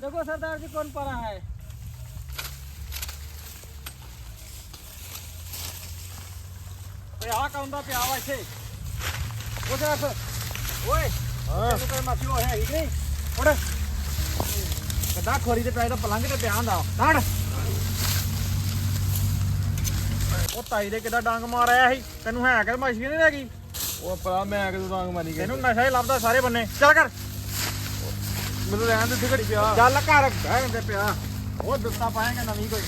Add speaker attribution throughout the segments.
Speaker 1: देखो सरदार जी कौन पड़ा है। आ कौन पिया वा इथे वो देख ओए तेन कोई मासी वो है नहीं उड़ कदा खोरी ते पिया पलंग ते पिया हुंदा डाड़ ਉਹ ਤਾਈ ਦੇ ਕਿਦਾਂ ਡਾਂਗ ਮਾਰ ਆਇਆ ਸੀ ਤੈਨੂੰ ਹੈ ਕਿ ਮਾਸ਼ੀ ਨਹੀਂ ਹੈਗੀ
Speaker 2: ਉਹ ਭਰਾ ਮੈਂ ਕਿਦੋਂ ਡਾਂਗ ਮਾਰੀ ਗਈ
Speaker 1: ਤੈਨੂੰ ਨਸ਼ਾ ਹੀ ਲੱਭਦਾ ਸਾਰੇ ਬੰਨੇ ਚੱਲ ਕਰ
Speaker 2: ਮੈਨੂੰ ਰਹਿਣ ਦੇ ਘੜੀ ਪਿਆ
Speaker 1: ਚੱਲ ਘਰ ਬਹਿ ਤੇ ਪਿਆ ਉਹ ਦਿੱਤਾ ਪਾਏਗਾ ਨਵੀਂ ਕੋਈ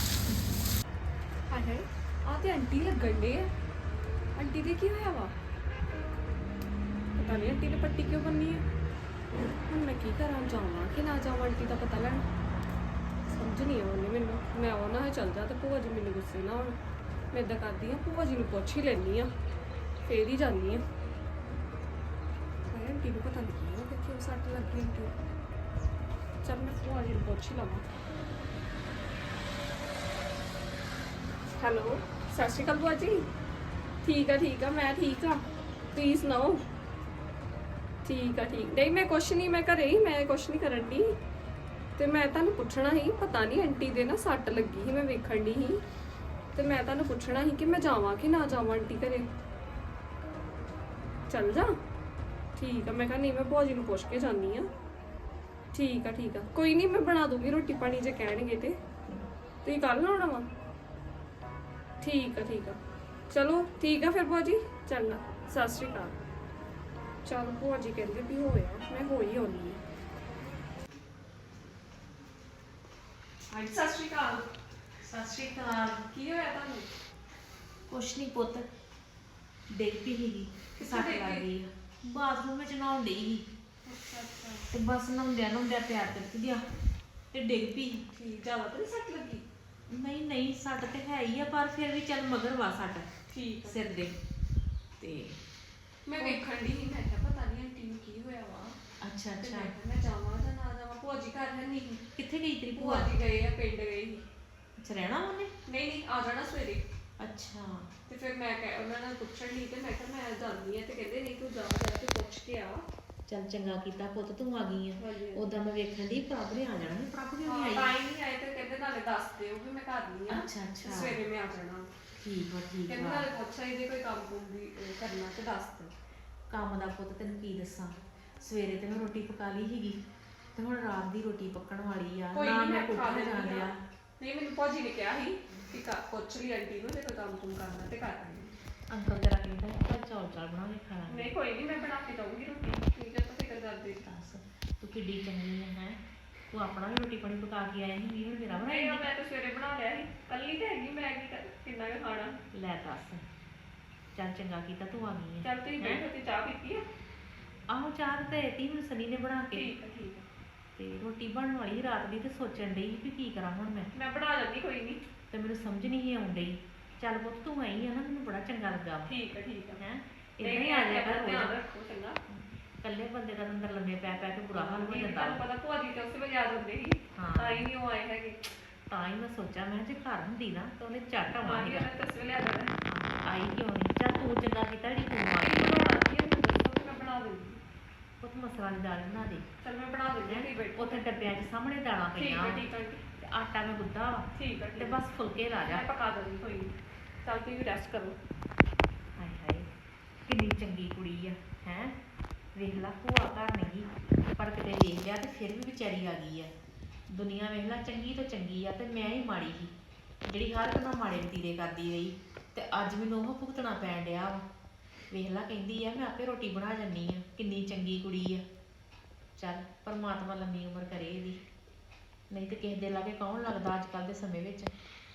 Speaker 3: ਹਾਏ ਆ ਤੇ ਆਂਟੀ ਲੱਗਣ ਡੇ ਆ ਆਂਟੀ ਦੇ ਕੀ ਹੋਇਆ ਵਾ ਪਤਾ ਨਹੀਂ ਆਂਟੀ ਨੇ ਪੱਟੀ ਕਿਉਂ ਬੰਨੀ ਹੈ ਹੁਣ ਮੈਂ ਕੀ ਕਰਾਂ ਜਾਵਾਂ ਕਿ ਨਾ ਜਾਵਾਂ ਆਂਟੀ ਦਾ ਪਤਾ ਲੈਣ ਸਮਝ ਨਹੀਂ ਆਉਂਦੀ ਮੈਨੂੰ ਮੈਂ ਉਹਨਾਂ ਨਾਲ ਚੱਲ ਜਾ ਤੇ ਭੂਆ ਜੀ ਮੈਨੂੰ ਗੁੱਸੇ ਨਾ ਹੋਣ ਮੈਂ ਇਦਾਂ ਕਰਦੀ ਆ ਭੂਆ ਜੀ ਨੂੰ ਪੁੱਛ ਹੀ ਲੈਣੀ ਆ ਫੇਰ ਹੀ ਜਾਂਦੀ ਆ ਹਾਏ ਆਂਟੀ ਨੂੰ ਪਤਾ ਨਹੀਂ ਕਿ ਕਿਉਂ ਸੱਟ ਲੱਗੀ ਆਂਟੀ ਨੂੰ। ਚੱਲ ਮੈਂ ਭੂਆ ਜੀ ਨੂੰ ਪੁੱਛ ਹੀ ਲਵਾਂ। ਹੈਲੋ ਸਤਿ ਸ਼੍ਰੀ ਅਕਾਲ ਭੂਆ ਜੀ ਠੀਕ ਆ ਮੈਂ ਠੀਕ ਆ ਤੁਸੀਂ ਸੁਣਾਓ ਠੀਕ ਆ ਨਹੀਂ ਮੈਂ ਕੁਛ ਨਹੀਂ ਮੈਂ ਘਰੇ ਹੀ ਮੈਂ ਕੁਛ ਨਹੀਂ ਕਰਨ ਦੀ ਤੇ ਮੈਂ ਤੁਹਾਨੂੰ ਪੁੱਛਣਾ ਸੀ ਪਤਾ ਨਹੀਂ ਆਂਟੀ ਦੇ ਨਾ ਸੱਟ ਲੱਗੀ ਸੀ ਮੈਂ ਵੇਖਣ ਦੀ ਸੀ ਤੇ ਮੈਂ ਤੁਹਾਨੂੰ ਪੁੱਛਣਾ ਸੀ ਕਿ ਮੈਂ ਜਾਵਾਂ ਕਿ ਨਾ ਜਾਵਾਂ ਆਂਟੀ ਘਰੇ ਚੱਲ ਜਾ ਠੀਕ ਆ ਮੈਂ ਕਿਹਾ ਨਹੀਂ ਮੈਂ ਭੂਆ ਜੀ ਨੂੰ ਪੁੱਛ ਕੇ ਜਾਂਦੀ ਆ ਠੀਕ ਆ ਕੋਈ ਨਹੀਂ ਮੈਂ ਬਣਾ ਦੂੰਗੀ ਰੋਟੀ ਪਾਣੀ ਜੇ ਕਹਿਣਗੇ ਤੇ ਤੁਸੀਂ ਕੱਲ ਆਉਣਾ ਵਾ ਠੀਕ ਆ ਚਲੋ ਠੀਕ ਆ ਫਿਰ ਭੂਆ ਜੀ ਚੰਗਾ ਸਤਿ ਸ਼੍ਰੀ ਅਕਾਲ ਚਲ ਭੂਆ ਜੀ ਕਹਿੰਦੇ ਵੀ ਹੋਇਆ ਮੈਂ ਹੋ ਹੀ ਆਉਣੀ ਆ ਹਾਂਜੀ ਸਤਿ ਸ਼੍ਰੀ ਅਕਾਲ ਕੀ ਹੋਇਆ ਤੁਹਾਨੂੰ
Speaker 4: ਕੁਛ ਨਹੀਂ ਪੁੱਤ ਡਿੱਗ ਪਈ ਸੀਗੀ ਸੱਟ ਲੱਗ ਗਈ ਆ ਬਾਥਰੂਮ ਵਿੱਚ ਨਹਾਉਣ ਡਈ ਸੀ
Speaker 3: ਅੱਛਾ
Speaker 4: ਤੇ ਬਸ ਨਹਾਉਂਦਿਆਂ ਪਿਆਰ ਕਰਕੇ ਗਿਆ ਤੇ ਡਿੱਗ ਪਈ।
Speaker 3: ਠੀਕ ਜ਼ਿਆਦਾ ਤਾਂ ਨਹੀਂ ਸੱਟ ਲੱਗੀ
Speaker 4: ਨਹੀਂ ਸੱਟ ਤੇ ਹੈ ਹੀ ਆ ਪਰ ਫਿਰ ਵੀ ਚੱਲ ਮਗਰ ਵਾ ਸੱਟ
Speaker 3: ਠੀਕ
Speaker 4: ਸਿਰ ਦੇ ਤੇ
Speaker 3: ਮੈਂ ਵੇਖਣ ਦੀ ਨਹੀਂ ਮੈਂ ਕਿਹਾ ਪਤਾ ਨਹੀਂ ਆਂਟੀ ਨੂੰ ਕੀ ਹੋਇਆ ਵਾ
Speaker 4: ਅੱਛਾ
Speaker 3: ਤੇ
Speaker 4: ਅੱਛਾ
Speaker 3: ਮੈਂ ਕਿਹਾ ਮੈਂ ਜਾਵਾਂ ਜਾਂ ਨਾ ਜਾਵਾਂ ਭੂਆ ਜੀ ਘਰ ਹੈ ਨਹੀਂ
Speaker 4: ਕਿੱਥੇ ਗਈ ਤੇਰੀ
Speaker 3: ਭੂਆ
Speaker 4: ਭੂਆ?
Speaker 3: ਜੀ ਗਏ ਆ ਪਿੰਡ ਗਏ ਸੀ
Speaker 4: ਅੱਛਾ ਰਹਿਣਾ ਉਹਨੇ?
Speaker 3: ਨਹੀਂ ਆ ਜਾਣਾ ਸਵੇਰੇ
Speaker 4: ਅੱਛਾ
Speaker 3: ਤੇ ਫਿਰ ਮੈਂ ਉਹਨਾਂ ਨਾਲ ਪੁੱਛਣ ਲਈ ਤੇ ਮੈਂ ਕਿਹਾ ਮੈਂ ਜਾਂਦੀ ਆ ਤੇ ਕਹਿੰਦੇ ਨਹੀਂ ਤੂੰ ਜਾ ਕੇ ਪੁੱਛ ਕੇ ਆ
Speaker 4: ਚੱਲ ਚੰਗਾ ਕੀਤਾ ਪੁੱਤ ਤੂੰ ਆ ਗਈ ਆ
Speaker 3: ਹਾਂਜੀ।
Speaker 4: ਉਦਾਂ ਮੈਂ ਵੇਖਣ ਦੀ ਪ੍ਰਭ ਨੇ ਆ ਜਾਣਾ ਸੀ ਪ੍ਰਭ ਕਿਉਂ
Speaker 3: ਹਾਂ
Speaker 4: ਨਹੀਂ
Speaker 3: ਤਾਂ
Speaker 4: ਆਈ?
Speaker 3: ਹੀ ਨਹੀਂ ਆਏ ਤੇ ਕਹਿੰਦੇ ਨਾਲੇ ਦੱਸ ਦਿਓ ਵੀ ਮੈਂ ਘਰ ਨਹੀਂ ਆ
Speaker 4: ਅੱਛਾ।
Speaker 3: ਸਵੇਰੇ ਮੈਂ ਆ ਜਾਣਾ
Speaker 4: ਠੀਕ
Speaker 3: ਕਹਿੰਦੇ
Speaker 4: ਆ
Speaker 3: ਨਾਲੇ ਪੁੱਛਿਆ ਇਹਦੇ ਕੋਈ ਕੰਮ ਕੁਮ ਵੀ ਕਰਨਾ ਤੇ ਦੱਸ ਦਿਓ
Speaker 4: ਕੰਮ ਦਾ ਪੁੱਤ ਤੈਨੂੰ ਕੀ ਦੱਸਾਂ ਸਵੇਰੇ ਤੇ ਮੈਂ ਰੋਟੀ ਪਕਾ ਲਈ ਸੀਗੀ ਤੇ ਹੁਣ ਰਾਤ ਦੀ ਰੋਟੀ ਪੱਕਣ ਵਾਲੀ ਆ
Speaker 3: ਕੋਈ
Speaker 4: ਨਾ
Speaker 3: ਨਹੀਂ
Speaker 4: ਮੈਂ
Speaker 3: ਮੈਂ ਖਾ
Speaker 4: ਕੋਠੇ
Speaker 3: ਲੈਂਦੀ
Speaker 4: ਜਾਣ
Speaker 3: ਆ
Speaker 4: ਡਿਆ।
Speaker 3: ਨਹੀਂ ਮੈਨੂੰ ਭਾਜੀ ਨੇ ਕਿਹਾ ਸੀ ਕਿ ਪੁੱਛ ਲਈ ਆਂਟੀ ਨੂੰ ਜੇ ਕੋਈ ਕੰਮ ਕੁਮ ਕਰਨਾ ਤੇ ਕਰ ਲੈਂਦੀ
Speaker 4: ਅੰਕਲ ਤੇਰਾ ਕਹਿੰਦਾ ਆਪਾਂ ਚੌਲ ਬਣਾ ਕੇ ਖਾਣਾ
Speaker 3: ਨਹੀਂ ਕੋਈ ਨਹੀਂ ਮੈਂ ਬਣਾ ਕੇ ਦਊਂਗੀ ਰੋਟੀ ਠੀਕ ਹੈ ਤਾਂ ਫਿਕਰ ਕਰਦੇ
Speaker 4: ਦੱਸ ਤੂੰ ਕਿੱਡੀ ਚੰਗੀ ਹੈ ਤੂੰ ਆਪਣਾ ਵੀ ਰੋਟੀ ਪਾਣੀ ਪਕਾ ਕੇ ਆਇਆ ਸੀ ਵੀਰ ਮੇਰਾ
Speaker 3: ਨਹੀਂ
Speaker 4: ਬਣਾਇਆ
Speaker 3: ਮੈਂ ਤਾਂ ਸਵੇਰੇ ਬਣਾ ਲਿਆ ਸੀ ਕੱਲੀ ਤੇ ਹੈਗੀ ਮੈਂ ਕਿੰਨਾ ਕੁ ਖਾਣਾ
Speaker 4: ਲੈ ਦੱਸ ਚੱਲ ਚੰਗਾ ਕੀਤਾ ਤੂੰ ਆ ਗਈ ਹੈ
Speaker 3: ਚੱਲ ਤੁਸੀਂ ਬੈਠੋ ਤੇ ਚਾਹ ਪੀਤੀ ਆ
Speaker 4: ਆਹੋ ਚਾਹ ਤੇ ਤੀ ਹੁਣ ਸਨੀ ਨੇ ਬਣਾ ਕੇ
Speaker 3: ਠੀਕ ਹੈ
Speaker 4: ਤੇ ਰੋਟੀ ਬਣਨ ਵਾਲੀ ਰਾਤ ਦੀ ਤੇ ਸੋਚਣ ਡਈ ਵੀ ਕੀ ਕਰਾਂ ਹੁਣ ਮੈਂ
Speaker 3: ਬਣਾ ਲੈਂਦੀ ਕੋਈ ਨਹੀਂ
Speaker 4: ਤੇ ਮੈਨੂੰ ਸਮਝ ਨਹੀਂ ਆਉਣ ਡਈ ਚੱਲ ਪੁੱਤ ਤੂੰ ਆਈ ਆ ਨਾ ਮੈਨੂੰ ਬੜਾ ਚੰਗਾ ਲੱਗਾ
Speaker 3: ਠੀਕ ਹੈ
Speaker 4: ਹੈ
Speaker 3: ਨਹੀਂ
Speaker 4: ਇਦਾਂ ਹੀ ਆ ਜਾਇਆ ਕਰ
Speaker 3: ਧਿਆਨ
Speaker 4: ਰੋਜ਼
Speaker 3: ਰੱਖੋ ਚੰਗਾ
Speaker 4: ਇਕੱਲੇ ਬੰਦੇ ਦਾ ਅੰਦਰ ਲੰਮੇ ਪੈ ਕੇ ਬੁਰਾ ਹਾਲ ਹੋ ਜਾਂਦਾ
Speaker 3: ਤੁਹਾਨੂੰ ਪਤਾ ਭੂਆ ਜੀ ਤੇ ਉਸੇ ਵੇਲੇ ਆ ਜਾਂਦੇ ਸੀ
Speaker 4: ਹਾਂ।
Speaker 3: ਤਾਂ ਹੀ ਨਹੀਂ ਉਹ ਆਏ ਹੈਗੇ
Speaker 4: ਤਾਂ ਹੀ ਮੈਂ ਸੋਚਿਆ ਮੈਂ ਜੇ ਘਰ ਹੁੰਦੀ ਨਾ ਤਾਂ ਉਹਨੇ ਝੱਟ ਆਉਣਾ
Speaker 3: ਹਾਂ
Speaker 4: ਸੀਗਾ
Speaker 3: ਮੈਂ ਤਾਂ ਉਸੇ ਵੇਲੇ ਆ ਜਾਣਾ
Speaker 4: ਆਈ ਕਿਉਂ ਨਹੀਂ ਚੱਲ ਤੂੰ ਚੰਗਾ ਕੀਤਾ ਜਿਹੜੀ ਤੂੰ ਆ ਗਈ
Speaker 3: ਬਣਾਉਣਾ ਕੀ ਹੈ ਮੈਨੂੰ ਦੱਸੋ ਤੇ ਮੈਂ ਬਣਾ ਦੂੰਗੀ
Speaker 4: ਪੁੱਤ ਮਸਲਾ ਦੀ ਦਾਲ ਬਣਾ ਦੇ
Speaker 3: ਚਲ ਮੈਂ ਬਣਾ ਦਿੰਦੀ ਹਾਂ ਤੁਸੀਂ ਬੈਠੋ
Speaker 4: ਉੱਥੇ ਡੱਬਿਆਂ 'ਚ ਸਾਹਮਣੇ ਦਾਲਾਂ
Speaker 3: ਠੀਕ
Speaker 4: ਪਈਆਂ
Speaker 3: ਹੈ
Speaker 4: ਵਾਂ।
Speaker 3: ਠੀਕ ਹੈ
Speaker 4: ਤੇ ਆਟਾ ਮੈਂ ਗੁੱਦਾ ਵਾ
Speaker 3: ਠੀਕ ਹੈ
Speaker 4: ਤੇ ਬਸ ਫੁਲਕੇ ਲਾ ਜਾ
Speaker 3: ਮੈਂ ਪਕਾ ਦਿੰਦੀ ਕੋਈ ਨਹੀਂ ਚੱਲ ਤੁਸੀਂ ਵੀ ਰੈਸਟ ਕਰੋ
Speaker 4: ਹਾਏ ਹਾਏ ਕਿੰਨੀ ਚੰਗੀ ਕੁੜੀ ਆ ਹੈ ਵੇਖ ਲਾ ਭੂਆ ਘਰ ਨਹੀਂ ਪਰ ਕਿਤੇ ਵੇਖ ਲਿਆ ਤੇ ਫਿਰ ਵੀ ਵਿਚਾਰੀ ਆ ਗਈ ਆ ਦੁਨੀਆ ਵੇਖ ਲਾ ਚੰਗੀ ਤੋਂ ਚੰਗੀ ਆ ਤੇ ਮੈਂ ਹੀ ਮਾੜੀ ਸੀ ਜਿਹੜੀ ਹਰ ਇੱਕ ਨਾਲ ਮਾੜੇ ਵਤੀਰੇ ਕਰਦੀ ਰਹੀ ਤੇ ਅੱਜ ਮੈਨੂੰ ਉਹ ਭੁਗਤਣਾ ਪੈਣ ਡਿਆ ਵਾ ਵੇਖ ਲਾ ਕਹਿੰਦੀ ਆ ਮੈਂ ਆਪੇ ਰੋਟੀ ਬਣਾ ਜੰਨੀ ਆ ਕਿੰਨੀ ਚੰਗੀ ਕੁੜੀ ਆ ਚੱਲ ਪਰਮਾਤਮਾ ਲੰਮੀ ਉਮਰ ਕਰੇ ਇਹਦੀ ਨਹੀਂ ਤੇ ਕਿਸੇ ਦੇ ਲਾਗੇ ਕੌਣ ਲੱਗਦਾ ਅੱਜ ਕੱਲ੍ਹ ਦੇ ਸਮੇਂ ਵਿੱਚ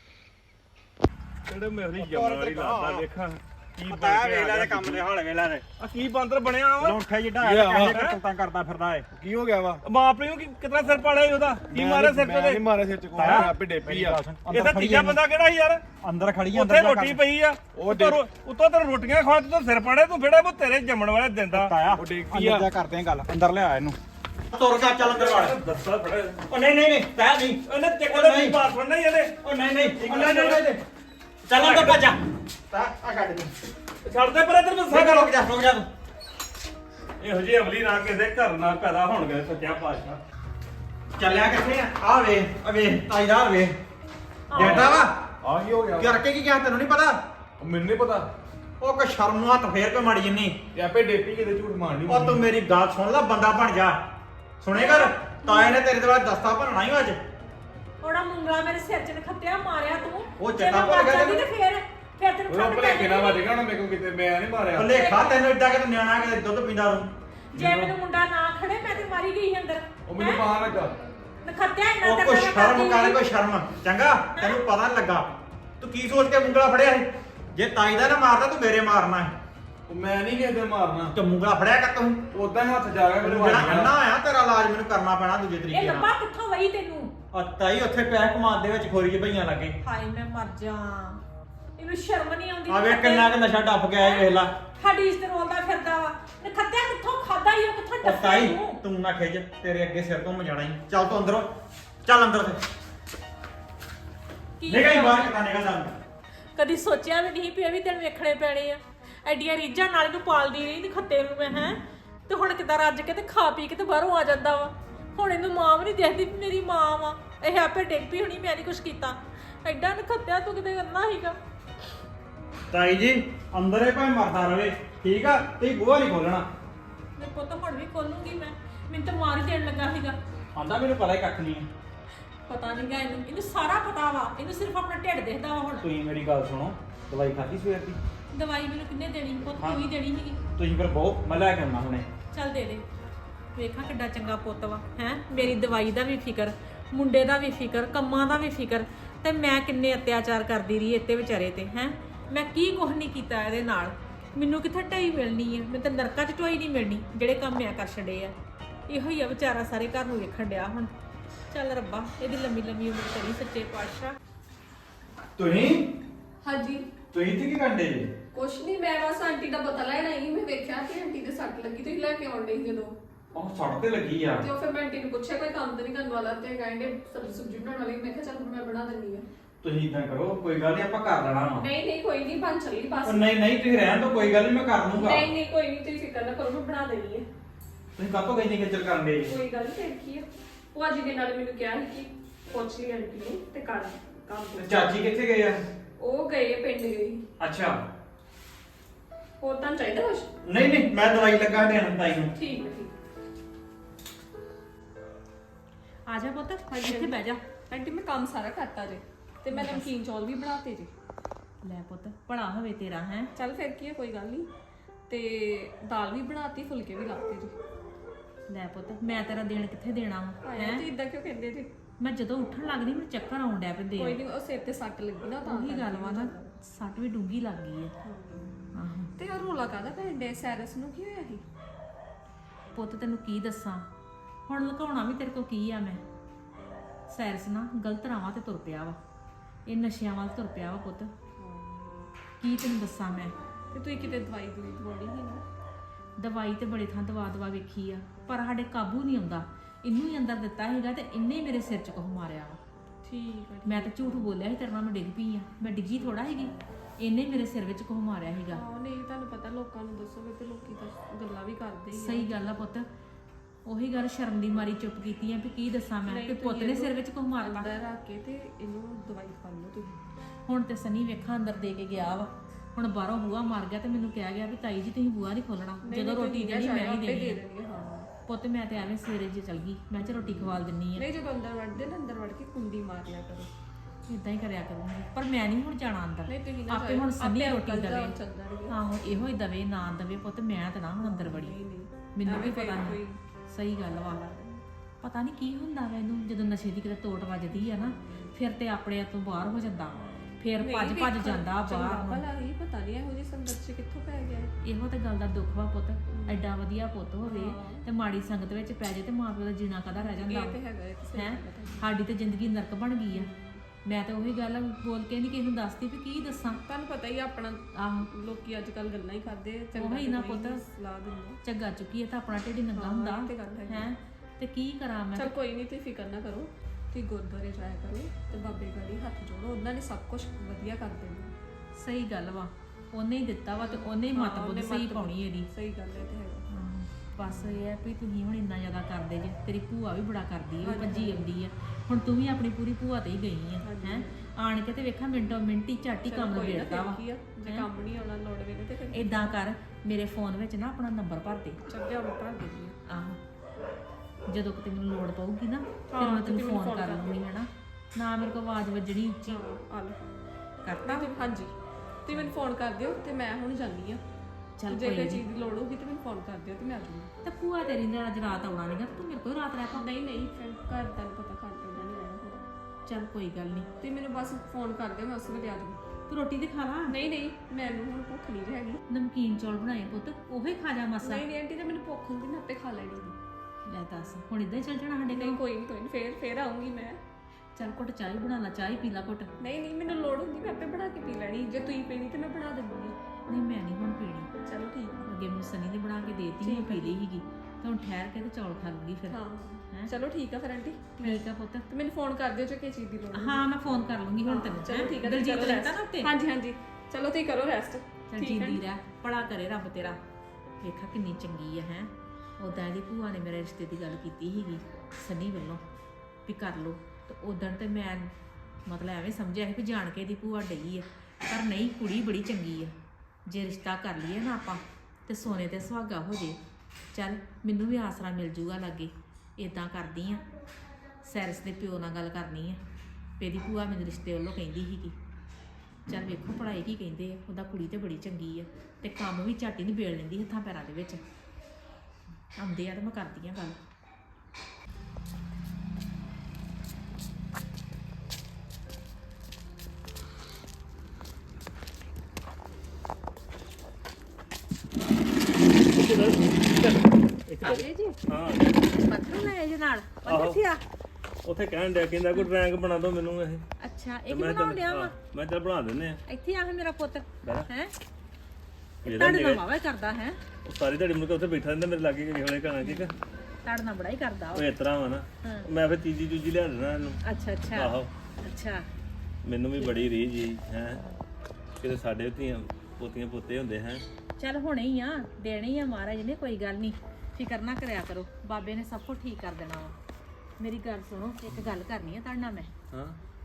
Speaker 2: ਕਿਹੜੇ ਮੇਰੀ ਜਮਾਰੀ ਲਾਦਾ ਦੇਖਾਂ ਕੀ
Speaker 1: ਪਤਾ ਵੇਲਾ ਦੇ ਕੰਮ ਦੇ ਹਾਲ ਵੇਲਾ ਦੇ
Speaker 2: ਆ ਕੀ ਬਾਂਦਰ ਬਣਿਆ ਵਾ
Speaker 1: ਲੌਂਠਾ ਜਿੱਡਾ ਹੈ ਕਹਿੰਦੇ ਕਰਤੂਤਾਂ ਕਰਦਾ ਫਿਰਦਾ ਏ
Speaker 2: ਕੀ ਹੋ ਗਿਆ ਵਾ
Speaker 1: ਬਾਪ ਨੇ ਕਿਤਨਾ ਸਿਰ ਪਾੜਿਆ ਉਹਦਾ ਕੀ ਮਾਰਿਆ ਸਿਰ ਤੇ
Speaker 2: ਨਹੀਂ ਮਾਰਿਆ ਸਿਰ ਚ ਕੋਈ ਆਪੇ ਡੇਪੀ ਆ
Speaker 1: ਇਹਦਾ ਤੀਜਾ ਬੰਦਾ ਕਿਹੜਾ ਸੀ ਯਾਰ
Speaker 5: ਅੰਦਰ ਖੜੀ ਆ
Speaker 1: ਉੱਥੇ ਰੋਟੀ ਪਈ ਆ ਉੱਤੋਂ ਤੈਨੂੰ ਰੋਟੀਆਂ ਖਵਾ ਤੂੰ ਸਿਰ ਪਾੜਿਆ ਤੂੰ ਫੇੜਾ ਉਹ ਤੇਰੇ ਜੰਮਣ ਵਾਲੇ ਦਿੰਦਾ
Speaker 5: ਤਾਇਆ
Speaker 2: ਉਹ ਡੇਪੀ ਆ
Speaker 5: ਅੰਦਰ ਜਾ ਕਰਦੇ ਆ ਗੱਲ ਅੰਦਰ ਲਿਆ ਇਹਨੂੰ
Speaker 1: ਤੁਰ ਕੇ ਚੱਲ ਅੰਦਰ ਵੜ ਦੱਸਾ ਫੜੇ ਉਹ ਨਹੀਂ ਤਾਇਆ ਨਹੀਂ ਉਹਨੇ ਟਿਕਦਾ ਨਹੀਂ ਬਾਤ ਫੜਨਾ ਹੀ ਇਹਨੇ ਉਹ ਨਹੀਂ ਚੱਲ ਅੰਦਰ ਭੱਜ ਜਾ ਆ ਗੱਡ ਦੇ ਛੱਡ ਦੇ ਪਰ ਇਧਰ ਦੱਸਾ ਕਰ ਰੁਕ ਜਾ ਤੂੰ ਇਹੋ ਜਿਹੀ ਅਮਲੀ ਨਾ ਕਿਸੇ ਘਰ ਨਾ ਪੈਦਾ ਹੋਣਗੇ ਸੱਚਾ ਪਾਤਸ਼ਾਹ ਚੱਲਿਆ ਕਿੱਥੇ ਆ ਵੇ ਤਾਈ ਦਾ ਵੇ ਜੱਟਾ ਵਾ
Speaker 2: ਆ ਕੀ ਹੋ ਗਿਆ
Speaker 1: ਕਰਕੇ ਕੀ ਗਿਆ ਤੈਨੂੰ ਨਹੀਂ ਪਤਾ
Speaker 2: ਉਹ ਮੈਨੂੰ ਨਹੀਂ ਪਤਾ
Speaker 1: ਉਹ ਕੋ ਸ਼ਰਮ ਨੂੰ ਹੱਥ ਫੇਰ ਕੇ ਮਾੜੀ ਜੰਨੀ
Speaker 2: ਤੇ ਆਪੇ ਡੇਪੀ ਕਿਤੇ ਝੂਠ ਮਾਰਨੀ
Speaker 1: ਉਹ ਤੂੰ ਮੇਰੀ ਗੱਲ ਸੁਣ ਲੈ ਬੰਦਾ ਬਣ ਜਾ ਸੁਣੇ ਕਰ ਤਾਏ ਨੇ ਤੇਰੇ ਦੇ ਬਾਅਦ ਦਸਤਾ ਭਰਨਾ ਹੀ ਅੱਜ
Speaker 4: ਉਹਦਾ ਮੁੰਗਲਾ ਮੇਰੇ ਸਿਰ 'ਚ ਖੱਤਿਆ ਮਾਰਿਆ ਤੂੰ
Speaker 1: ਉਹ
Speaker 4: ਜੇ
Speaker 1: ਚੰਗਾ
Speaker 4: ਮੈਂ
Speaker 1: ਭੁੱਲ
Speaker 4: ਮਰ
Speaker 1: ਗਿਆ
Speaker 4: ਜਾਂਦੀ ਤੇ ਫਿਰ ਤੈਨੂੰ
Speaker 2: ਉਹ
Speaker 4: ਖੱਟ
Speaker 2: ਭਲੇ ਕਿਨਾ
Speaker 4: ਪੈ
Speaker 2: ਵੱਜ ਗਿਆ ਨਾ ਮੇਰੇ ਕੋਲ ਕਿਤੇ ਮੈਂ ਨਹੀਂ ਮਾਰਿਆ
Speaker 1: ਭੁਲੇਖਾ ਤੈਨੂੰ ਏਡਾ ਕਿ ਨਿਆਣਾ ਕਿਤੇ ਦੁੱਧ ਪੀਂਦਾ ਰੂ
Speaker 4: ਜੇ ਮੈਨੂੰ ਮੁੰਡਾ ਨਾ ਖੜੇ ਮੈਂ ਤੇ ਮਾਰੀ ਗਈ ਸੀ ਅੰਦਰ
Speaker 2: ਉਹ ਮੈਨੂੰ ਪਤਾ ਲੱਗਾ
Speaker 4: ਖੱਤਿਆ ਇੰਨਾ
Speaker 1: ਉਹ ਕੋ ਸ਼ਰਮ ਕਰ ਕੋ ਸ਼ਰਮ ਚੰਗਾ ਤੈਨੂੰ ਪਤਾ ਨੀ ਲੱਗਾ ਤੂੰ ਕੀ ਸੋਚ ਕੇ ਮੁੰਗਲਾ ਫੜਿਆ ਸੀ ਜੇ ਤਾਈ ਦਾ ਨਾ ਮਾਰਦਾ ਤੂੰ ਮੇਰੇ ਮਾਰਨਾ ਹੈ
Speaker 2: ਉਹ ਮੈਂ ਨਹੀਂ ਕਿਸੇ ਦੇ ਮਾਰਨਾ
Speaker 1: ਤੇ ਮੁੰਗਲਾ ਫੜਿਆ ਕਰ ਤੂੰ
Speaker 2: ਉਦਾਂ ਹੀ ਹੱਥ ਜਾ ਗਿਆ ਮੈਨੂੰ
Speaker 1: ਜਿਹੜਾ
Speaker 2: ਵੱਜ
Speaker 1: ਅੰਨਾ
Speaker 2: ਗਿਆ
Speaker 1: ਆ ਤੇਰਾ ਇਲਾਜ ਮੈਨੂੰ ਕਰਨਾ ਪੈਣਾ ਦੂਜੇ
Speaker 4: ਇਹ
Speaker 1: ਤਰੀਕੇ
Speaker 4: ਲੱਭਾ
Speaker 1: ਨਾਲ
Speaker 4: ਕਿੱਥੋਂ ਵਈ ਤੈਨੂੰ
Speaker 1: ਆ ਤਾਈ ਉੱਥੇ ਪੈਸੇ ਕਮਾਦ ਦੇ ਵਿੱਚ ਖੋਰੀ ਚ ਭਈਆਂ ਲੱਗੇ
Speaker 4: ਹਾਏ ਮੈਂ ਮਰ ਜਾ ਇਹਨੂੰ ਸ਼ਰਮ ਨਹੀਂ ਆਉਂਦੀ
Speaker 1: ਆ ਵੇ ਕਿੰਨਾ ਕੁ ਨਸ਼ਾ ਡੱਫ ਗਿਆ ਇਹ ਵੇਖ ਲਾ
Speaker 4: ਸਾਡੀ ਇੱਜ਼ਤ ਰੋਲਦਾ ਫਿਰਦਾ ਵਾ ਤੇ ਖੱਤਿਆ ਕਿੱਥੋਂ ਖਾਦਾ ਹੀ ਉਹ ਕਿੱਥੋਂ
Speaker 1: ਉਹ
Speaker 4: ਡੱਫਿਆ
Speaker 1: ਤਾਈ
Speaker 4: ਤੂੰ
Speaker 1: ਤੂੰ ਨਾ ਖਿੱਚ ਤੇਰੇ ਅੱਗੇ ਸਿਰ ਤੋਂ ਜਾਣਾ ਹੀ ਚੱਲ ਤੂੰ ਅੰਦਰੋਂ ਚੱਲ ਅੰਦਰ ਤੇ
Speaker 4: ਕੀ
Speaker 1: ਨਿਕਲ ਹੀ ਬਾਹਰ
Speaker 4: ਕਰਾਂ?
Speaker 1: ਕਿੱਦਾਂ ਨਿਕਲਦਾ
Speaker 4: ਕਦੀ ਸੋਚਿਆ ਵੀ ਨਹੀਂ ਵੀ ਇਹ ਵੀ ਦਿਨ ਵੇਖਣੇ ਪੈਣੇ ਆ ਐਡੀਆਂ ਰੀਝਾਂ ਨਾਲ ਇਹਨੂੰ ਪਾਲਦੀ ਰਹੀ ਤੇ ਖੱਤੇ ਨੂੰ ਮੈਂ ਹੈ ਤੇ ਹੁਣ ਕਿਦਾਂ ਰੱਜ ਕੇ ਤੇ ਖਾ ਪੀ ਕੇ ਤੇ ਬਾਹਰੋਂ ਆ ਜਾਂਦਾ ਵਾ ਹੁਣ ਇਹਨੂੰ ਮਾਂ ਵੀ ਨਹੀਂ ਦੇਖਦੀ ਵੀ ਮੇਰੀ ਮਾਂ ਵਾ ਇਹ ਆਪੇ ਡਿੱਗ ਪਈ ਹੋਣੀ ਮੈਂ ਨਹੀਂ ਕੁਛ ਕੀਤਾ ਐਡਾ ਨਖੱਤਿਆ ਤੂੰ ਕਿਤੇ ਕਰਨਾ ਸੀਗਾ
Speaker 1: ਤਾਈ ਜੀ ਅੰਦਰ ਹੀ ਭਾਵੇਂ ਮਰਦਾ ਰਵੇ ਠੀਕ ਆ ਤੇ ਬੂਹਾ ਨਹੀਂ ਖੋਲਣਾ
Speaker 4: ਮੇਰੇ ਪੁੱਤ ਹੁਣ ਵੀ ਖੋਲੂੰਗੀ ਮੈਂ ਮੈਨੂੰ ਤਾਂ ਮਾਰ ਹੀ ਦੇਣ ਲੱਗਾ ਸੀਗਾ
Speaker 1: ਆਂਦਾ ਮੈਨੂੰ ਪਤਾ ਹੀ ਕੱਖ ਨਹੀਂ ਹੈ
Speaker 4: ਪਤਾ ਨਹੀਂ ਗਾ ਇਹਨੂੰ ਸਾਰਾ ਪਤਾ ਵਾ ਇਹਨੂੰ ਸਿਰਫ ਆਪਣਾ ਢਿੱਡ ਦਿਖਦਾ ਵਾ ਹੁਣ
Speaker 1: ਤੁਸੀਂ ਮੇਰੀ ਗੱਲ ਸੁਣੋ ਦਵਾਈ ਖਾਧੀ ਸਵੇਰ ਦੀ
Speaker 4: ਦਵਾਈ ਮੈਨੂੰ ਕਿੰਨੇ ਦੇਣੀ ਪੁੱਤ
Speaker 1: ਹਾਂ।
Speaker 4: ਤੂੰ ਹੀ ਦੇਣੀ ਸੀਗੀ
Speaker 1: ਤੁਸੀਂ ਫਿਰ ਬਹੁਤ ਮੈਂ ਲੈ ਕੇ ਆਉਣਾ ਹੁਣੇ
Speaker 4: ਚੱਲ ਦੇ ਦੇ ਵੇਖਾਂ ਕਿੱਡਾ ਚੰਗਾ ਪੁੱਤ ਵਾ ਹੈ ਮੇਰੀ ਦਵਾਈ ਦਾ ਵੀ ਫਿਕਰ ਮੁੰਡੇ ਦਾ ਵੀ ਫਿਕਰ ਕੰਮਾਂ ਦਾ ਵੀ ਫਿਕਰ ਤੇ ਮੈਂ ਕਿੰਨੇ ਅਤਿਆਚਾਰ ਕਰਦੀ ਰਹੀ ਇੱਥੇ ਵਿਚਾਰੇ ਤੇ ਹੈ ਮੈਂ ਕੀ ਕੁਝ ਨਹੀਂ ਕੀਤਾ ਇਹਦੇ ਨਾਲ ਮੈਨੂੰ ਕਿੱਥੇ ਢਾਈ ਮਿਲਣੀ ਹੈ ਮੈਨੂੰ ਤਾਂ ਨਰਕਾਂ 'ਚ ਢੋਈ ਨਹੀਂ ਮਿਲਣੀ ਜਿਹੜੇ ਕੰਮ ਮੈਂ ਕਰ ਛੱਡੇ ਆ ਇਹੋ ਹੀ ਆ ਵਿਚਾਰਾ ਸਾਰੇ ਘਰ ਨੂੰ ਵੇਖਣ ਡਿਆ ਹੁਣ ਚੱਲ ਰੱਬਾ ਇਹਦੀ ਲੰਮੀ ਲੰਮੀ ਉਮਰ ਕਰੀ ਸੱਚੇ ਪਾਤਸ਼ਾਹ
Speaker 1: ਤੁਸੀਂ
Speaker 3: ਹਾਂਜੀ
Speaker 1: ਤੁਸੀਂ ਤੇ ਕੀ ਕਰਦੇ ਜੀ
Speaker 3: ਕੁਛ ਨਹੀਂ ਮੈਂ ਬਸ ਆਂਟੀ ਦਾ ਪਤਾ ਲੈਣ ਆਈ ਸੀ। ਮੈਂ ਵੇਖਿਆ ਕਿ ਆਂਟੀ ਦੇ ਸੱਟ ਲੱਗੀ ਤੁਸੀਂ ਲੈ ਕੇ ਆਉਣ ਡਈ ਜਦੋਂ
Speaker 1: ਉਹ ਸੜਕ ਤੇ ਲੱਗੀ ਆ
Speaker 3: ਤੇ ਉਹ ਫਿਰ ਮੈਂ ਆਂਟੀ ਨੂੰ ਪੁੱਛਿਆ ਕੋਈ ਕੰਮ ਤਾਂ ਨਹੀਂ ਕਰਨ ਵਾਲਾ ਤੇ ਕਹਿੰਦੇ ਸਬਜ਼ੀ ਸੁਬਜ਼ੀ ਬਣਾਉਣ ਵਾਲੀ ਮੈਂ ਕਿਹਾ ਚੱਲ ਮੈਂ ਬਣਾ ਦਿੰਦੀ ਆ
Speaker 1: ਤੁਸੀਂ ਇਦਾਂ ਕਰੋ ਕੋਈ ਗੱਲ ਨਹੀਂ ਆਪਾਂ ਕਰ ਲੈਣਾ ਵਾ
Speaker 3: ਨਹੀਂ ਨਹੀਂ ਕੋਈ ਨਹੀਂ ਬਣ ਚੱਲੀ ਬਸ
Speaker 1: ਉਹ ਨਹੀਂ ਤੁਸੀਂ ਰਹਿਣ ਤੋਂ ਕੋਈ ਗੱਲ ਨਹੀਂ ਮੈਂ ਕਰ ਲੂੰਗਾ
Speaker 3: ਨਹੀਂ ਨਹੀਂ ਕੋਈ ਨਹੀਂ ਤੁਸੀਂ ਫਿਕਰ ਨਾ ਕਰੋ ਮੈਂ ਬਣਾ ਦੇਣੀ ਹੈ
Speaker 1: ਤੁਸੀਂ ਕਾਹਤੋਂ ਗਈ ਨਹੀਂ ਖੇਚਲ ਕਰਨ ਦੇ
Speaker 3: ਕੋਈ ਗੱਲ ਨਹੀਂ ਕੀ ਹੈ ਉਹ ਅੱਜ ਦੇ ਨਾਲ ਮੈਨੂੰ ਕਿਹਾ ਸੀ ਕਿ ਪੁੱਛ ਲਈ ਆਂਟੀ ਨੂੰ ਤੇ ਕਰ ਕੰਮ
Speaker 1: ਤੇ
Speaker 3: ਤੇ
Speaker 1: ਚਾਚੀ ਕਿੱਥੇ ਗਏ ਆ
Speaker 3: ਉਹ ਗਏ ਪਿੰਡ ਗਏ
Speaker 1: ਅੱਛਾ
Speaker 3: ਹੋਰ ਤਾਂ ਚਾਹੀਦਾ ਕੁਛ
Speaker 1: ਨਹੀਂ ਮੈਂ ਦਵਾਈ ਲੱਗਾ ਦੇਣ ਤਾਈ ਨੂੰ
Speaker 3: ਠੀਕ ਹੈ ਠੀਕ
Speaker 4: ਆ ਜਾ ਪੁੱਤ ਇੱਥੇ ਬਹਿ ਜਾ
Speaker 3: ਆਂਟੀ ਮੈਂ ਕੰਮ ਸਾਰਾ ਕਰਤਾ ਜੇ ਤੇ ਮੈਂ ਨਮਕੀਨ ਚੌਲ ਵੀ ਬਣਾਤੇ ਜੇ
Speaker 4: ਲੈ ਪੁੱਤ ਭਲਾ ਹੋਵੇ ਤੇਰਾ ਹੈ
Speaker 3: ਚੱਲ ਫਿਰ ਕੀ ਹੈ ਕੋਈ ਗੱਲ ਨਹੀਂ ਤੇ ਦਾਲ ਵੀ ਬਣਾਤੀ ਫੁਲਕੇ ਵੀ ਲਾਤੇ ਜੀ
Speaker 4: ਲੈ ਪੁੱਤ ਮੈਂ ਤੇਰਾ ਦੇਣ ਕਿੱਥੇ ਦੇਣਾ ਵਾ
Speaker 3: ਹੈ
Speaker 4: ਹੈ
Speaker 3: ਤੇ ਇਦਾਂ ਕਿਉਂ ਕਹਿੰਦੇ ਜੀ
Speaker 4: ਮੈਂ ਜਦੋਂ ਉੱਠਣ ਲੱਗਦੀ ਮੈਨੂੰ ਚੱਕਰ ਆਉਣ ਡਿਆ ਪੈਂਦੇ
Speaker 3: ਕੋਈ ਨਹੀਂ ਉਹ ਸਿਰ ਤੇ ਸੱਟ ਲੱਗੀ ਨਾ ਤਾਂ
Speaker 4: ਉਹੀ
Speaker 3: ਕਰਕੇ
Speaker 4: ਗੱਲ ਵਾ ਨਾ ਸੱਟ ਵੀ ਡੂੰਗੀ ਲੱਗ ਗਈ ਹੈ ਆਹੋ
Speaker 3: ਤੇ ਉਹ ਰੋਲਾ ਕਾਹਦਾ ਪੈਂਦੇ ਸੈਰਸ ਨੂੰ ਕੀ ਹੋਇਆ ਸੀ
Speaker 4: ਪੁੱਤ ਤੈਨੂੰ ਕੀ ਦੱਸਾਂ ਹੁਣ ਲੁਕਾਉਣਾ ਵੀ ਤੇਰੇ ਕੋ ਕੀ ਆ ਮੈਂ ਸੈਰਸ ਨਾ ਗਲਤ ਰਾਵਾਂ ਤੇ ਤੁਰ ਪਿਆ ਵਾ ਇਹ ਨਸ਼ਿਆਂ ਵੱਲ ਤੁਰ ਪਿਆ ਵਾ ਪੁੱਤ ਕੀ ਤੈਨੂੰ ਦੱਸਾਂ ਮੈਂ
Speaker 3: ਤੇ ਤੁਸੀਂ ਕਿਤੇ ਦਵਾਈ ਦਵਾਈ ਸੀ ਨਾ
Speaker 4: ਦਵਾਈ ਤੇ ਬੜੇ ਥਾਂ ਦਵਾ ਵੇਖੀ ਆ ਪਰ ਸਾਡੇ ਕਾਬੂ ਨਹੀਂ ਆਉਂਦਾ ਇਹਨੂੰ ਹੀ ਅੰਦਰ ਦਿੱਤਾ ਹੈਗਾ ਤੇ ਇਹਨੇ ਹੀ ਮੇਰੇ ਸਿਰ 'ਚ ਕੁਝ ਮਾਰਿਆ ਵਾ
Speaker 3: ਠੀਕ ਹੈ
Speaker 4: ਮੈਂ ਤਾਂ ਝੂਠ ਬੋਲਿਆ ਸੀ ਤੇਰੇ ਨਾਲ ਮੈਂ ਡਿੱਗ ਪਈ ਆ ਮੈਂ ਡਿੱਗੀ ਥੋੜਾ ਹੈਗੀ ਇਹਨੇ ਮੇਰੇ ਸਿਰ ਵਿੱਚ ਕੁਝ ਮਾਰਿਆ ਹੈਗਾ
Speaker 3: ਹਾਂ ਨਹੀਂ ਤੁਹਾਨੂੰ ਪਤਾ ਲੋਕਾਂ ਨੂੰ ਦੱਸੋਗੇ ਤੇ ਲੋਕੀ ਤਾਂ ਗੱਲਾਂ ਵੀ ਕਰਦੇ ਹੀ ਆ
Speaker 4: ਸਹੀ ਗੱਲ ਆ ਪੁੱਤ ਉਹੀ ਗੱਲ ਸ਼ਰਮ ਦੀ ਮਾਰੀ ਚੁੱਪ ਕੀਤੀ ਆ ਵੀ ਕੀ ਦੱਸਾਂ ਮੈਂ
Speaker 3: ਨਹੀਂ,
Speaker 4: ਕਿ ਪੁੱਤ ਨੇ ਸਿਰ ਵਿੱਚ ਕੁਝ ਮਾਰਤਾ
Speaker 3: ਅੰਦਰ ਰੱਖ ਕੇ ਤੇ ਇਹਨੂੰ ਦਵਾਈ ਖਾ ਲਓ ਤੁਸੀਂ
Speaker 4: ਹੁਣ ਤੇ ਸਨੀ ਵੇਖਾਂ ਅੰਦਰ ਦੇ ਕੇ ਗਿਆ ਵਾ ਹੁਣ ਬਾਹਰੋਂ ਬੂਹਾ ਮਾਰ ਗਿਆ ਤੇ ਮੈਨੂੰ ਕਹਿ ਗਿਆ ਵੀ ਤਾਈ ਜੀ ਤੁਸੀਂ ਬੂਹਾ ਨਹੀਂ ਖੋਲਣਾ ਜਦੋਂ ਰੋਟੀ ਦੇਣੀ ਮੈਂ ਹੀ ਦੇਣੀ ਆ।
Speaker 3: ਹਾਂ
Speaker 4: ਪੁੱਤ ਮੈਂ ਤੇ ਐਵੇਂ ਸਵੇਰੇ ਜੇ ਚਲ ਗਈ ਮੈਂ ਚ ਰੋਟੀ ਖਵਾਲ ਦਿੰਨੀ ਆ
Speaker 3: ਨਹੀਂ ਜਦੋਂ ਅੰਦਰ ਵੜਦੇ ਨਾ ਅੰਦਰ ਵੜ ਕੇ ਕੁੰਡੀ ਮਾਰ ਲਿਆ ਕਰੋ
Speaker 4: ਇਦਾਂ ਹੀ ਕਰਿਆ ਕਰੂੰਗੀ ਪਰ ਮੈਂ ਨਹੀਂ ਹੁਣ ਜਾਣਾ ਅੰਦਰ
Speaker 3: ਨਹੀਂ ਤੁਸੀਂ ਨਾ
Speaker 4: ਆਪੇ ਹੁਣ ਸਨੀ ਰੋਟੀ
Speaker 3: ਚੱਲਦਾ
Speaker 4: ਦਵੇ
Speaker 3: ਚੱਲਦਾ
Speaker 4: ਆਹੋ ਇਹੋ ਹੀ ਦਵੇ ਨਾ ਦਵੇ ਪੁੱਤ ਮੈਂ ਤਾਂ ਨਾ ਹੁਣ ਅੰਦਰ ਵੜੀ
Speaker 3: ਨਹੀਂ ਨਹੀਂ
Speaker 4: ਮੈਨੂੰ ਵੀ
Speaker 3: ਐਵੇਂ
Speaker 4: ਪਤਾ ਨਹੀਂ
Speaker 3: ਕੋਈ-
Speaker 4: ਸਹੀ ਗੱਲ ਵਾ ਪਤਾ ਨਹੀਂ ਕੀ ਹੁੰਦਾ ਵਾ ਇਹਨੂੰ ਜਦੋਂ ਨਸ਼ੇ ਦੀ ਕਿਤੇ ਤੋੜ ਵੱਜਦੀ ਆ ਨਾ ਫਿਰ ਤੇ ਆਪਣੇ ਤੋਂ ਬਾਹਰ ਹੋ ਜਾਂਦਾ ਫਿਰ ਭੱਜ ਜਾਂਦਾ ਬਾਹਰ ਨੂੰ
Speaker 3: ਭਲਾ ਹੀ ਪਤਾ ਨਹੀਂ ਇਹੋ ਜਿਹੀ ਸੰਗਤ ਚ ਕਿੱਥੋਂ ਪੈ ਗਿਆ
Speaker 4: ਇਹੋ ਤੇ ਗੱਲ ਦਾ ਦੁੱਖ ਵਾ ਪੁੱਤ ਐਡਾ ਵਧੀਆ ਪੁੱਤ ਹੋਵੇ ਤੇ ਮਾੜੀ ਸੰਗਤ ਵਿੱਚ ਪੈ ਜਾਏ ਤੇ ਮਾਂ ਪਿਓ ਦਾ ਜੀਣਾ ਕਦਾ ਰਹਿ ਜਾਂਦਾ
Speaker 3: ਇਹ ਤੇ ਹੈਗਾ ਇੱਕ ਸਹੀ
Speaker 4: ਹੈ
Speaker 3: ਗੱਲ ਹੈ।
Speaker 4: ਸਾਡੀ ਤੇ ਜ਼ਿੰਦਗੀ ਨਰਕ ਬਣ ਗਈ ਆ ਮੈਂ ਤਾਂ ਉਹੀ ਗੱਲ ਬੋਲ ਕੇ ਨਹੀਂ ਕਿਸੇ ਨੂੰ ਦੱਸਦੀ ਵੀ ਕੀ ਦੱਸਾਂ
Speaker 3: ਤੁਹਾਨੂੰ ਪਤਾ ਹੀ ਆ ਆਪਣਾ
Speaker 4: ਆਹੋ
Speaker 3: ਲੋਕੀ ਅੱਜ ਕੱਲ ਗੱਲਾਂ ਹੀ ਕਰਦੇ ਆ,
Speaker 4: ਉਹੀ ਨਾ
Speaker 3: ਕੋਈ
Speaker 4: ਪੁੱਤ।
Speaker 3: ਨਹੀਂ ਸਲਾਹ ਦਿੰਦੇ
Speaker 4: ਝੱਗਾ ਚੁੱਕੀ ਹੈ ਤਾਂ ਆਪਣਾ ਢਿੱਡ ਨੰਗਾ ਹੁੰਦਾ
Speaker 3: ਇਹ ਤੇ ਗੱਲ ਹੈਗੀ।
Speaker 4: ਹੈ ਤੇ ਕੀ ਕਰਾਂ ਮੈਂ
Speaker 3: ਚਲ ਕੋਈ ਨਹੀਂ ਤੁਸੀਂ ਫਿਕਰ ਨਾ ਕਰੋ ਤੁਸੀਂ ਗੁਰਦੁਆਰੇ ਜਾਇਆ ਕਰੋ ਤੇ ਬਾਬੇ ਗਾੜੀ ਹੱਥ ਜੋੜੋ ਉਹਨਾਂ ਨੇ ਸਭ ਕੁਝ ਵਧੀਆ ਕਰ ਦੇਣਾ
Speaker 4: ਸਹੀ ਗੱਲ ਵਾ ਉਹਨੇ ਹੀ ਦਿੱਤਾ ਵਾ ਤੇ ਉਹਨੇ ਹੀ ਮੱਤ
Speaker 3: ਹਾਂ,
Speaker 4: ਬੁੱਧ
Speaker 3: ਉਹਨੇ
Speaker 4: ਸਹੀ
Speaker 3: ਮੱਤ
Speaker 4: ਪਾਉਣੀ ਇਹਦੀ
Speaker 3: ਸਹੀ ਗੱਲ ਹੈ ਤੇ ਹੈਗਾ
Speaker 4: ਹਾਂ। ਬਸ ਇਹ ਹੈ ਵੀ ਤੁਸੀਂ ਹੁਣ ਇੰਨਾ ਜ਼ਿਆਦਾ ਕਰਦੇ ਜੇ ਤੇਰੀ ਭੂਆ ਵੀ ਬੜਾ ਕਰਦੀ ਹੈ ਭੱਜੀ ਆਉਂਦੀ ਆ ਹੁਣ ਤੂੰ ਵੀ ਆਪਣੀ ਪੂਰੀ ਭੂਆ ਤੇ ਹੀ ਗਈ ਆ ਹੈ ਆਣ ਕੇ ਤੇ ਵੇਖਾਂ ਮਿੰਟੋ ਮਿੰਟੀ ਝਾਟੀ ਕੰਮ ਨਿਬੇੜਦਾ ਵਾ
Speaker 3: ਜੇ ਕੰਮ ਨਹੀਂ ਆਉਣਾ ਲੋੜ ਵੇਲੇ ਤੇ ਫਿਰ
Speaker 4: ਇਦਾਂ ਕਰ ਮੇਰੇ ਫੋਨ ਵਿੱਚ ਨਾ ਆਪਣਾ ਨੰਬਰ ਭਰ ਦੇ
Speaker 3: ਚੱਲ ਜਾ ਮੈਂ ਭਰ ਦਿੰਦੀ ਆ।
Speaker 4: ਆਹੋ ਜਦੋਂ ਕਿਤੇ ਮੈਨੂੰ ਲੋੜ ਪਊਗੀ ਨਾ ਫਿਰ ਮੈਂ ਤੈਨੂੰ ਫੋਨ ਕਰ ਲੂੰਗੀ ਹਨਾ ਨਾ ਮੇਰੇ ਕੋਲ ਆਵਾਜ਼ ਵੱਜਣੀ ਉੱਚੀ
Speaker 3: ਆ ਲਓ
Speaker 4: ਕਰਤਾ
Speaker 3: ਹਾਂਜੀ ਤੁਸੀਂ ਮੈਨੂੰ ਫੋਨ ਕਰ ਦਿਓ ਤੇ ਮੈਂ ਹੁਣ ਜਾਂਦੀ ਆ
Speaker 4: ਚੱਲ
Speaker 3: ਜੇ
Speaker 4: ਕੋਈ
Speaker 3: ਕੋਈ
Speaker 4: ਨੀ।
Speaker 3: ਚੀਜ਼ ਦੀ ਲੋੜ ਹੋਊਗੀ ਤੇ ਮੈਨੂੰ ਫੋਨ ਕਰ ਦਿਓ ਤੇ ਮੈਂ ਆ ਜਾਊਂਗੀ।
Speaker 4: ਤੇ ਭੂਆ ਤੇਰੀ ਨੇ ਅੱਜ ਰਾਤ ਆਉਣਾ ਨਹੀਂਗਾ ਤੂੰ ਮੇਰੇ ਕੋਲ ਰਾਤ ਰਹਿ ਪਾ
Speaker 3: ਨਹੀਂ ਨਹੀਂ ਫਿਰ ਘਰ ਦਾ ਨੀ ਪਤਾ ਘਰ ਕਿੱਦਾਂ ਨਹੀਂ ਰਹਿਣਾ ਹੁੰਦਾ
Speaker 4: ਚੱਲ ਕੋਈ ਗੱਲ ਨਹੀਂ
Speaker 3: ਤੇ ਮੈਨੂੰ ਬਸ ਫੋਨ ਕਰ ਦਿਓ ਮੈਂ ਉਸ ਵੇਲੇ ਆ ਜਾਊਂਗੀ।
Speaker 4: ਤੂੰ ਰੋਟੀ ਤੇ ਖਾ ਲਾ
Speaker 3: ਨਹੀਂ ਨਹੀਂ ਮੈਨੂੰ ਹੁਣ ਭੁੱਖ ਨਹੀਂ ਹੈਗੀ।
Speaker 4: ਨਮਕੀਨ ਚੌਲ ਬਣਾਏ ਪੁੱਤ ਉਹੀ ਖਾ ਜਾ ਮਸਾ
Speaker 3: ਨਹੀਂ ਨਹੀਂ ਆਂਟੀ ਤੇ ਮੈਨੂੰ ਭੁੱਖ ਹੁੰਦੀ ਮੈਂ ਆਪੇ ਖਾ ਲੈਣੀ ਸੀ।
Speaker 4: ਲੈ ਦੱਸ ਹੁਣ ਇਦਾਂ ਹੀ ਚੱਲ ਜਾਣਾ ਸਾਡੇ
Speaker 3: ਨਹੀਂ
Speaker 4: ਕੋਲ
Speaker 3: ਕੋਈ ਨਹੀਂ ਫੇਰ ਆਉਂਗੀ ਮੈਂ।
Speaker 4: ਚੱਲ ਘੁੱਟ ਚਾਹ ਹੀ ਬਣਾ ਲਾ ਚਾਹ ਹੀ ਪੀ ਲਾ ਘੁੱਟ
Speaker 3: ਨਹੀਂ ਨਹੀਂ ਮੈਨੂੰ ਲੋੜ ਹੁੰਦੀ ਮੈਂ ਆਪੇ ਬਣਾ ਕੇ ਪੀ ਲੈਣੀ ਜੇ ਤੁਸੀਂ ਪੀਣੀ ਤੇ ਮੈਂ ਬਣਾ ਦਿੰਦੀ ਹਾਂ।
Speaker 4: ਨਹੀਂ ਮੈਂ ਨਹੀਂ ਹੁਣ ਪੀਣੀ
Speaker 3: ਚਲੋ ਠੀਕ ਆ।
Speaker 4: ਅੱਗੇ ਮੈਨੂੰ ਸਨੀ ਨੇ ਬਣਾ ਕੇ ਦੇਤੀ ਮੈਂ ਪੀ ਲਈ ਸੀਗੀ ਤੇ ਹੁਣ ਠਹਿਰ ਕੇ ਤੇ ਚੌਲ ਖਾ ਲੂੰਗੀ ਫਿਰ
Speaker 3: ਹਾਂ ਚਲੋ ਠੀਕ ਆ ਫਿਰ ਆਂਟੀ
Speaker 4: ਠੀਕ ਆ ਪੁੱਤ
Speaker 3: ਤੇ ਮੈਨੂੰ ਫੋਨ ਕਰ ਦਿਓ ਜੇ ਕਿਸੇ ਚੀਜ਼ ਦੀ ਲੋੜ
Speaker 4: ਹਾਂ ਮੈਂ ਫੋਨ ਕਰ ਲੂੰਗੀ ਹੁਣ ਤੈਨੂੰ
Speaker 3: ਚਲੋ ਠੀਕ ਆ
Speaker 4: ਦਿਲਜੀਤ ਰਹਿੰਦਾ ਨਾ ਉੱਤੇ
Speaker 3: ਹਾਂਜੀ ਹਾਂਜੀ ਚਲੋ ਤੁਸੀਂ ਕਰੋ ਰੈਸਟ।
Speaker 4: ਚੱਲ ਜਿੰਦੀ ਰਹਿ ਭਲਾ ਕਰੇ ਰੱਬ ਤੇਰਾ ਵੇਖਾ ਕਿੰਨੀ ਚੰਗੀ ਆ ਹੈ ਉਦਾਂ ਇਹਦੀ ਭੂਆ ਨੇ ਮੇਰੇ ਰਿਸ਼ਤੇ ਦੀ ਗੱਲ ਕੀਤੀ ਸੀਗੀ ਸਨੀ ਵੱਲੋਂ ਵੀ ਕਰ ਲੋ ਤੇ ਉਦੋਂ ਤੇ ਮੈਂ ਮਤਲਬ ਐਵੇਂ ਸਮਝਿਆ ਸੀ ਵੀ ਜਾਣ ਕੇ ਇਹਦੀ ਭੂਆ ਡਈ ਆ ਪਰ ਨਹੀਂ ਕੁੜੀ ਬੜੀ ਚੰਗੀ ਆ ਜੇ ਰਿਸ਼ਤਾ ਕਰ ਲਈਏ ਨਾ ਆਪਾਂ ਤੇ ਸੋਨੇ ਤੇ ਸੁਹਾਗਾ ਹੋ ਜੇ ਚੱਲ ਮੈਨੂੰ ਵੀ ਆਸਰਾ ਮਿਲ ਜੂਗਾ ਲਾਗੇ ਇਦਾਂ ਕਰਦੀ ਆ ਸੈਰਸ ਦੇ ਪਿਓ ਨਾਲ ਗੱਲ ਕਰਨੀ ਆ ਵੀ ਇਹਦੀ ਭੂਆ ਮੈਨੂੰ ਰਿਸ਼ਤੇ ਵੱਲੋਂ ਕਹਿੰਦੀ ਸੀਗੀ ਚੱਲ ਵੇਖੋ ਪੜ੍ਹਾਈ ਕੀ ਕਹਿੰਦੇ ਆ ਉਹਦਾ ਕੁੜੀ ਤੇ ਬੜੀ ਚੰਗੀ ਆ ਤੇ ਕੰਮ ਵੀ ਝਾਟੀ ਨਹੀਂ ਬੇੜ ਲੈਂਦੀ ਹੱਥਾਂ ਪੈਰਾਂ ਦੇ ਵਿੱਚ ਆਉਂਦੇ ਆ ਤੇ ਮੈਂ ਕਰਦੀ ਆ ਗੱਲ
Speaker 3: ਅਜੇ ਜੀ
Speaker 1: ਹਾਂ
Speaker 4: ਪੱਥਰ ਲੈ ਜੇ ਨਾਲ
Speaker 1: ਆਹੋ।
Speaker 4: ਕਿੱਥੇ ਆ
Speaker 1: ਉੱਥੇ ਕਹਿਣ ਡਿਆ ਕਹਿੰਦਾ ਕੋਈ ਰੈਂਕ ਬਣਾ ਦਿਓ ਮੈਨੂੰ ਇਹ
Speaker 4: ਅੱਛਾ
Speaker 1: ਤੇ
Speaker 4: ਇਹ ਕੀ ਬਣਾਉਣ ਡਿਆ ਵਾ
Speaker 1: ਮੈਂ ਚੱਲ ਬਣਾ ਦਿੰਦੇ ਆ
Speaker 4: ਇੱਥੇ ਆ ਮੇਰਾ ਪੁੱਤ
Speaker 1: ਬਹਿ।
Speaker 4: ਹੈ
Speaker 1: ਇਹਦਾ
Speaker 4: ਤੁਹਾਡੇ ਨਾਲ ਵਾਵਾ ਕਰਦਾ ਹੈ
Speaker 1: ਉਹ ਸਾਰੀ ਦਿਹਾੜੀ ਮੁੜ ਕੇ ਉੱਥੇ ਬੈਠਾ ਰਹਿੰਦਾ ਮੇਰੇ ਲਾਗੇ ਕਿਸੇ ਵੇਲੇ ਘਣਾ ਠੀਕ ਆ
Speaker 4: ਤੁਹਾਡੇ ਨਾਲ ਬੜਾ ਹੀ ਕਰਦਾ
Speaker 1: ਉਹ ਇਸ ਤਰ੍ਹਾਂ ਵਾ ਨਾ
Speaker 4: ਹਾਂ।
Speaker 1: ਮੈਂ ਫਿਰ ਚੀਜ਼ੀ ਚੂਜੀ ਲਿਆ ਦੇਣਾ ਇਹਨੂੰ
Speaker 4: ਅੱਛਾ ਅੱਛਾ
Speaker 1: ਆਹੋ
Speaker 4: ਅੱਛਾ
Speaker 1: ਮੈਨੂੰ ਵੀ ਬੜੀ ਰੀਝ ਜੀ ਹੈ ਕਿਤੇ ਸਾਡੇ ਧੀਆਂ ਪੋਤੀਆਂ ਪੁੱਤੇ ਹੁੰਦੇ ਹੈ
Speaker 4: ਚੱਲ ਹੁਣੇ ਹੀ ਆ ਦੇਣੇ ਹੀ ਆ ਮਹਾਰਾਜ ਨੇ ਕੋਈ ਗੱਲ ਨਹੀਂ ਫਿਕਰ ਨਾ ਕਰਿਆ ਕਰੋ ਬਾਬੇ ਨੇ ਸਭ ਕੁਝ ਠੀਕ ਕਰ ਦੇਣਾ ਵਾ ਮੇਰੀ ਗੱਲ ਸੁਣੋ ਇੱਕ ਗੱਲ ਕਰਨੀ ਆ ਤੁਹਾਡੇ ਨਾਲ ਮੈਂ
Speaker 1: ਹਾਂ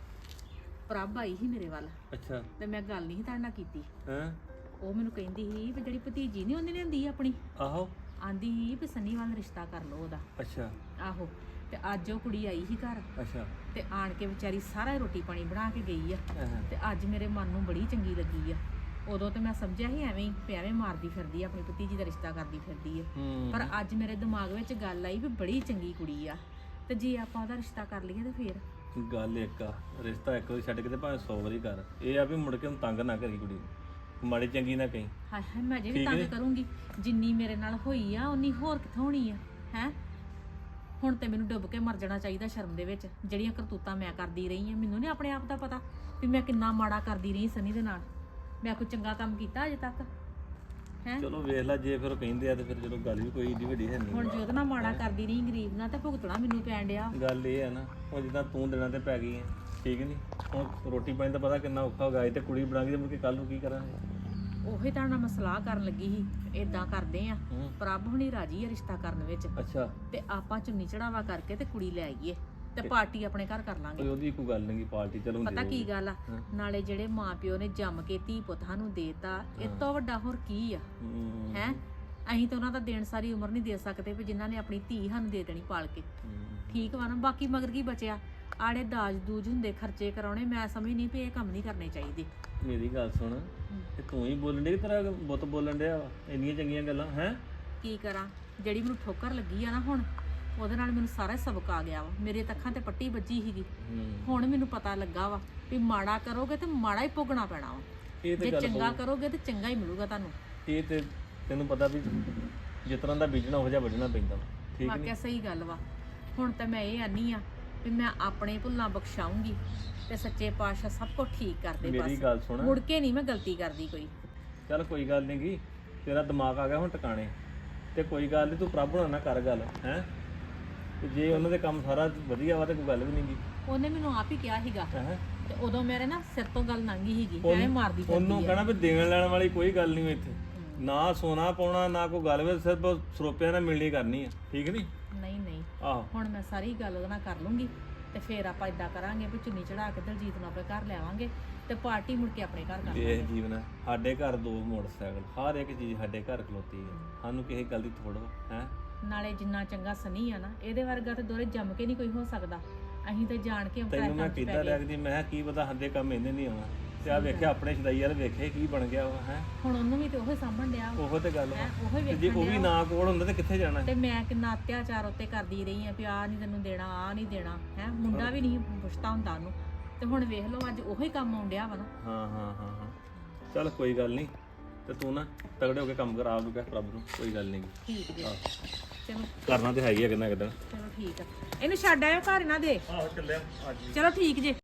Speaker 4: ਪ੍ਰਭ ਆਈ ਸੀ ਮੇਰੇ ਵੱਲ
Speaker 1: ਅੱਛਾ
Speaker 4: ਤੇ ਮੈਂ ਗੱਲ ਨਹੀਂ ਤੁਹਾਡੇ ਨਾਲ ਕੀਤੀ
Speaker 1: ਹਾਂ
Speaker 4: ਉਹ ਮੈਨੂੰ ਕਹਿੰਦੀ ਸੀ ਵੀ ਜਿਹੜੀ ਭਤੀਜੀ ਨਹੀਂ ਉਹਨੇ ਲਿਆਂਦੀ ਆਪਣੀ
Speaker 1: ਆਹੋ
Speaker 4: ਆਂਦੀ ਸੀ ਵੀ ਸਨੀ ਵੱਲ ਰਿਸ਼ਤਾ ਕਰ ਲਓ ਉਹਦਾ
Speaker 1: ਅੱਛਾ
Speaker 4: ਆਹੋ ਤੇ ਅੱਜ ਉਹ ਕੁੜੀ ਆਈ ਸੀ ਘਰ
Speaker 1: ਅੱਛਾ
Speaker 4: ਤੇ ਆਣ ਕੇ ਵਿਚਾਰੀ ਸਾਰਾ ਰੋਟੀ ਪਾਣੀ ਬਣਾ ਕੇ ਗਈ ਆ
Speaker 1: ਹਾਂ।
Speaker 4: ਤੇ ਅੱਜ ਮੇਰੇ ਮਨ ਨੂੰ ਬੜੀ ਚੰਗੀ ਲੱਗੀ ਆ ਉਦੋਂ ਤੇ ਮੈਂ ਸਮਝਿਆ ਸੀ ਐਵੇਂ ਹੀ ਵੀ ਐਵੇਂ ਮਾਰਦੀ ਫਿਰਦੀ ਆ ਆਪਣੀ ਭਤੀਜੀ ਦਾ ਰਿਸ਼ਤਾ ਕਰਦੀ ਫਿਰਦੀ ਆ
Speaker 1: ਹੂੰ
Speaker 4: ਪਰ ਅੱਜ ਮੇਰੇ ਦਿਮਾਗ ਵਿੱਚ ਗੱਲ ਆਈ ਵੀ ਬੜੀ ਚੰਗੀ ਕੁੜੀ ਆ ਤੇ ਜੇ ਆਪਾਂ ਉਹਦਾ ਰਿਸ਼ਤਾ ਕਰ ਲਈਏ ਤੇ ਫੇਰ
Speaker 1: ਗੱਲ ਇੱਕ ਆ ਰਿਸ਼ਤਾ ਇੱਕ ਵਾਰੀ ਛੱਡ ਕੇ ਤੇ ਭਾਵੇਂ 100 ਵਾਰੀ ਕਰ ਇਹ ਆ ਵੀ ਮੁੜ ਕੇ ਉਹਨੂੰ ਤੰਗ ਨਾ ਕਰੀ ਕੁੜੀ ਨੂੰ ਮਾੜੀ ਚੰਗੀ ਨਾ ਕਹੀਂ
Speaker 4: ਹਾਏ ਹਾਏ ਮੈਂ ਜੇ ਵੀ
Speaker 1: ਠੀਕ
Speaker 4: ਤੰਗ
Speaker 1: ਨੀ?
Speaker 4: ਕਰੂੰਗੀ ਜਿੰਨੀ ਮੇਰੇ ਨਾਲ ਹੋਈ ਆ ਉਨੀ ਹੋਰ ਕਿੱਥੋਂ ਹੋਣੀ ਆ ਹੈ ਹੁਣ ਤੇ ਮੈਨੂੰ ਡੁੱਬ ਕੇ ਮਰ ਜਾਣਾ ਚਾਹੀਦਾ ਸ਼ਰਮ ਦੇ ਵਿੱਚ ਜਿਹੜੀਆਂ ਕਰਤੂਤਾਂ ਮੈਂ ਕਰਦੀ ਰਹੀ ਆ ਮੈਨੂੰ ਨਹੀਂ ਆਪਣੇ ਆਪ ਦਾ ਪਤਾ ਵੀ ਮੈਂ ਕਿੰਨਾ ਮਾੜਾ ਕਰਦੀ ਰਹੀ ਸਨੀ ਦੇ ਨਾਲ ਮੈਂ ਕੋਈ ਚੰਗਾ ਕੰਮ ਕੀਤਾ ਅਜੇ ਤੱਕ ਹੈ
Speaker 1: ਚਲੋ ਵੇਖ ਲੈ ਜੇ ਫਿਰ ਉਹ ਕਹਿੰਦੇ ਆ ਤੇ ਫਿਰ ਚਲੋ ਗੱਲ ਵੀ ਕੋਈ ਏਡੀ ਵੱਡੀ ਹੈ ਨਹੀਂ
Speaker 4: ਹੁਣ ਜੇ ਉਹਦੇ ਨਾਲ ਮਾੜਾ ਕਰਦੀ ਰਹੀ ਗਰੀਬ ਨਾਲ ਤੇ ਭੁਗਤਣਾ ਮੈਨੂੰ ਪੈਣ ਡਿਆ
Speaker 1: ਗੱਲ ਇਹ ਹੈ ਨਾ ਹੁਣ ਜਿੱਦਾਂ ਤੂੰ ਦਿਨਾਂ ਤੇ ਪੈ ਗਈ ਹੈ ਠੀਕ ਨਹੀਂ ਹੁਣ ਰੋਟੀ ਪਾਣੀ ਦਾ ਪਤਾ ਕਿੰਨਾ ਔਖਾ ਹੋ ਗਿਆ ਤੇ ਕੁੜੀ ਬਣਾ ਕੇ ਮੁੜ ਕੇ ਕੱਲ ਨੂੰ ਕੀ ਕਰਾਂਗੇ
Speaker 4: ਉਹੀ ਤਾਂ ਨਾਲ ਮੈਂ ਸਲਾਹ ਕਰਨ ਲੱਗੀ ਸੀ ਇਦਾਂ ਕਰਦੇ ਆ
Speaker 1: ਹੂੰ।
Speaker 4: ਪ੍ਰਭ ਹੁਣੀ ਰਾਜੀ ਆ ਰਿਸ਼ਤਾ ਕਰਨ ਵਿੱਚ
Speaker 1: ਅੱਛਾ
Speaker 4: ਤੇ ਆਪਾਂ ਚੁੰਨੀ ਚੜਾਵਾ ਕਰਕੇ ਤੇ ਕੁੜੀ ਲੈ ਆਈਏ ਤੇ ਪਾਰਟੀ ਆਪਣੇ ਘਰ ਕਰ ਲਾਂਗੇ
Speaker 1: ਕੋਈ ਉਹਦੀ ਕੋਈ ਗੱਲ ਨਹੀਂ ਪਾਰਟੀ ਚਲੋ ਹੁੰਦੀ
Speaker 4: ਪਤਾ ਕੀ
Speaker 1: ਰਹੂਗੀ।
Speaker 4: ਗੱਲ ਆ
Speaker 1: ਹਾਂ।
Speaker 4: ਨਾਲੇ ਜਿਹੜੇ ਮਾਪਿਓ ਨੇ ਜੰਮ ਕੇ ਧੀ ਪੁੱਤਾਂ ਨੂੰ ਦੇਤਾ ਇਹ ਤੋਂ ਵੱਡਾ ਹੋਰ ਕੀ ਆ
Speaker 1: ਹੂੰ,
Speaker 4: ਹੈ ਅਸੀਂ ਤਾਂ ਉਹਨਾਂ ਦਾ ਦੇਣ ਸਾਰੀ ਉਮਰ ਨਹੀਂ ਦੇ ਸਕਦੇ ਵੀ ਜਿਨ੍ਹਾਂ ਨੇ ਆਪਣੀ ਧੀ ਸਾਨੂੰ ਦੇ ਦੇਣੀ ਪਾਲ ਕੇ
Speaker 1: ਹੂੰ।
Speaker 4: ਠੀਕ ਵਾ ਨਾ ਬਾਕੀ ਮਗਰ ਕੀ ਬਚਿਆ ਆੜੇ ਦਾਜ ਦੂਜ ਹੁੰਦੇ ਖਰਚੇ ਕਰਾਉਣੇ ਮੈਂ ਸਮਝ ਨਹੀਂ ਵੀ ਇਹ ਕੰਮ ਨਹੀਂ ਕਰਨੇ ਚਾਹੀਦੇ
Speaker 1: ਮੇਰੀ ਗੱਲ ਸੁਣ ਤੇ ਤੂੰ ਹੀ ਬੋਲਣ ਡਈ ਤੇਰਾ ਬੁੱਤ ਬੋਲਣ ਡਿਆ ਵਾ ਇੰਨੀਆਂ ਚੰਗੀਆਂ ਗੱਲਾਂ ਹੈ
Speaker 4: ਕੀ ਕਰਾਂ ਜਿਹੜੀ ਮੈਨੂੰ ਠੋਕਰ ਲੱਗੀ ਆ ਨਾ ਹੁਣ ਉਹਦੇ ਨਾਲ ਮੈਨੂੰ ਸਾਰਾ ਸਬਕ ਆ ਗਿਆ ਵਾ ਮੇਰੇ ਤਾਂ ਅੱਖਾਂ ਤੇ ਪੱਟੀ ਵੱਜੀ ਸੀਗੀ ਹੁਣ ਮੈਨੂੰ ਪਤਾ ਲੱਗਾ ਵਾ ਵੀ ਮਾੜਾ ਕਰੋਗੇ ਤੇ ਮਾੜਾ ਹੀ ਭੋਗਣਾ ਪੈਣਾ ਵਾ
Speaker 1: ਇਹ ਤੇ
Speaker 4: ਜੇ
Speaker 1: ਗੱਲ
Speaker 4: ਚੰਗਾ ਕਰੋਗੇ ਤੇ ਚੰਗਾ ਹੀ ਮਿਲੂਗਾ ਤੁਹਾਨੂੰ
Speaker 1: ਇਹ ਤੇ ਤੈਨੂੰ ਪਤਾ ਵੀ ਜਿਸ ਤਰ੍ਹਾਂ ਦਾ ਬੀਜਣਾ ਹੋ ਜਾ ਵੱਢਣਾ ਪੈਂਦਾ ਵਾ, ਠੀਕ ਨਹੀਂ
Speaker 4: ਵਾਕਿਆ ਸਹੀ ਗੱਲ ਵਾ ਹੁਣ ਤਾਂ ਮੈਂ ਇਹ ਆਨੀ ਆ ਵੀ ਮੈਂ ਆਪਣੇ ਭੁੱਲਾਂ ਬਖਸ਼ਾਉਂਗੀ ਤੇ ਸੱਚੇ ਪਾਤਸ਼ਾਹ ਸਭ ਕੁਝ ਠੀਕ ਕਰਦੇ
Speaker 1: ਮੇਰੀ
Speaker 4: ਬਸ
Speaker 1: ਗੱਲ ਸੁਣ
Speaker 4: ਮੁੜ ਕੇ ਨਹੀਂ ਮੈਂ ਗਲਤੀ ਕਰਦੀ ਕੋਈ
Speaker 1: ਚੱਲ ਕੋਈ ਗੱਲ ਨਹੀਂ ਗੀ ਤੇਰਾ ਦਿਮਾਗ ਆ ਗਿਆ ਹੁਣ ਟਿਕਾਣੇ ਤੇ ਕੋਈ ਗੱਲ ਨਹੀਂ ਤੂੰ ਪ੍ਰਭ ਨਾਲ ਨਾ ਕਰ ਗੱਲ ਹੈ ਤੇ ਜੇ ਉਹਨਾਂ ਦੇ ਕੰਮ ਸਾਰਾ ਵਧੀਆ ਵਾ ਤੇ ਕੋਈ ਗੱਲ ਵੀ ਨਹੀਂ ਗੀ
Speaker 4: ਉਹਨੇ ਮੈਨੂੰ ਆਪ ਹੀ ਕਿਹਾ ਸੀਗਾ
Speaker 1: ਹੈ
Speaker 4: ਤੇ ਉਦੋਂ ਮੇਰੇ ਨਾ ਸਿਰ ਤੋਂ ਗੱਲ ਲੰਘੀ ਸੀਗੀ ਐਵੇਂ ਮਾਰਦੀ
Speaker 1: ਉਹਨੂੰ
Speaker 4: ਫਿਰਦੀ ਆ
Speaker 1: ਕਹਣਾ ਵੀ ਦੇਣ ਲੈਣ ਵਾਲੀ ਕੋਈ ਗੱਲ ਨਹੀਂ ਇੱਥੇ ਨਾ ਸੋਨਾ ਪਾਉਣਾ ਨਾ ਕੋਈ ਗੱਲ ਵੇ ਸਿਰਫ ਸਰੋਪਿਆਂ ਨਾਲ ਮਿਲਣੀ ਕਰਨੀ ਆ ਠੀਕ ਨਹੀਂ
Speaker 4: ਨਹੀਂ ਨਹੀਂ
Speaker 1: ਆਹੋ
Speaker 4: ਹੁਣ ਮੈਂ ਸਾਰੀ ਗੱਲ ਉਹਦੇ ਨਾਲ ਕਰ ਲੂੰਗੀ ਤੇ ਫਿਰ ਆਪਾਂ ਇਦਾਂ ਕਰਾਂਗੇ ਵੀ ਚੁੰਨੀ ਚੜਾ ਕੇ ਦਲਜੀਤ ਨੂੰ ਆਪਣੇ ਘਰ ਲਿਆਵਾਂਗੇ ਤੇ ਪਾਰਟੀ ਮੁੜ ਕੇ ਆਪਣੇ ਘਰ ਕਰ
Speaker 1: ਇਹ ਜੀਵਨ ਹੈ ਸਾਡੇ ਘਰ 2 ਮੋਟਰਸਾਈਕਲ ਹਰ ਇੱਕ ਚੀਜ਼ ਸਾਡੇ ਘਰ ਖਲੋਤੀ ਹੈ ਸਾਨੂੰ ਕਿਸੇ ਗੱਲ ਦੀ ਥੋੜ੍ਹਾ ਹੈ
Speaker 4: ਨਾਲੇ ਜਿੰਨਾ ਚੰਗਾ ਸਨੀ ਆ ਨਾ ਇਹਦੇ ਵਰਗਾ ਤੇ ਦੋਰੇ ਜੰਮ ਕੇ ਨਹੀਂ ਕੋਈ ਹੋ ਸਕਦਾ ਅਸੀਂ ਤੇ ਜਾਣ ਕੇ ਅੰਕਲ
Speaker 1: ਤੈਨੂੰ ਮੈਂ ਕਿੱਦਾਂ ਲੱਗਦੀ ਮੈਂ ਕਿਹਾ ਕੀ ਪਤਾ ਹੰਦੇ ਕੰਮ ਇਹਨੇ ਨਹੀਂ ਆਉਣਾ ਤੇ ਆ ਵੇਖਿਆ ਆਪਣੇ ਛਦਾਈ ਵਾਲ ਵੇਖੇ ਕੀ ਬਣ ਗਿਆ ਉਹ ਹੈ
Speaker 4: ਹੁਣ ਉਹਨੂੰ ਵੀ ਤੇ ਉਹੀ ਸਾਂਭਣ ਡਿਆ ਵਾ।
Speaker 1: ਉਹੋ ਤੇ ਗੱਲ ਵਾ
Speaker 4: ਹੈਂ, ਉਹੀ
Speaker 1: ਤੇ ਜੇ
Speaker 4: ਵੇਖਣ
Speaker 1: ਉਹ ਵੀ
Speaker 4: ਡਿਆ
Speaker 1: ਨਾ ਕੋਲ ਹੁੰਦਾ ਤੇ ਕਿੱਥੇ ਜਾਣਾ
Speaker 4: ਤੇ ਮੈਂ ਕਿੰਨਾ ਅਤਿਆਚਾਰ ਉੱਤੇ ਕਰਦੀ ਰਹੀ ਆ ਵੀ ਆ ਨਹੀਂ ਤੈਨੂੰ ਦੇਣਾ ਆ ਨਹੀਂ ਦੇਣਾ ਹੈ ਮੁੰਡਾ ਵੀ ਨਹੀਂ ਪੁੱਛਦਾ ਹੁੰਦਾ ਉਹਨੂੰ ਤੇ ਹੁਣ ਵੇਖ ਲਓ ਅੱਜ ਉਹੀ ਕੰਮ ਆਉਂਦਿਆ ਵਾ ਨਾ
Speaker 1: ਹਾਂ ਚੱਲ ਕੋਈ ਗੱਲ ਨਹੀਂ ਤੇ ਤੂੰ ਨਾ ਤਗੜੇ ਹੋ ਕੇ ਕੰਮ ਕਰਾ ਦੂਗਾ ਪ੍ਰਭ ਨੂੰ ਕੋਈ ਗੱਲ ਨਹੀਂ
Speaker 4: ਠੀਕ ਜੀ ਚਲੋ
Speaker 1: ਕਰਨਾ ਤੇ ਹੈ ਹੀ ਆ ਕਿੰਨਾ ਕਿਦਾਂ
Speaker 4: ਚਲੋ ਠੀਕ ਆ ਇਹਨੂੰ ਛੱਡ ਆਇਓ ਘਰ ਇਹਨਾਂ ਦੇ
Speaker 1: ਆਹੋ ਚੱਲਿਆ ਅੱਜ
Speaker 4: ਚਲੋ ਠੀਕ ਜੇ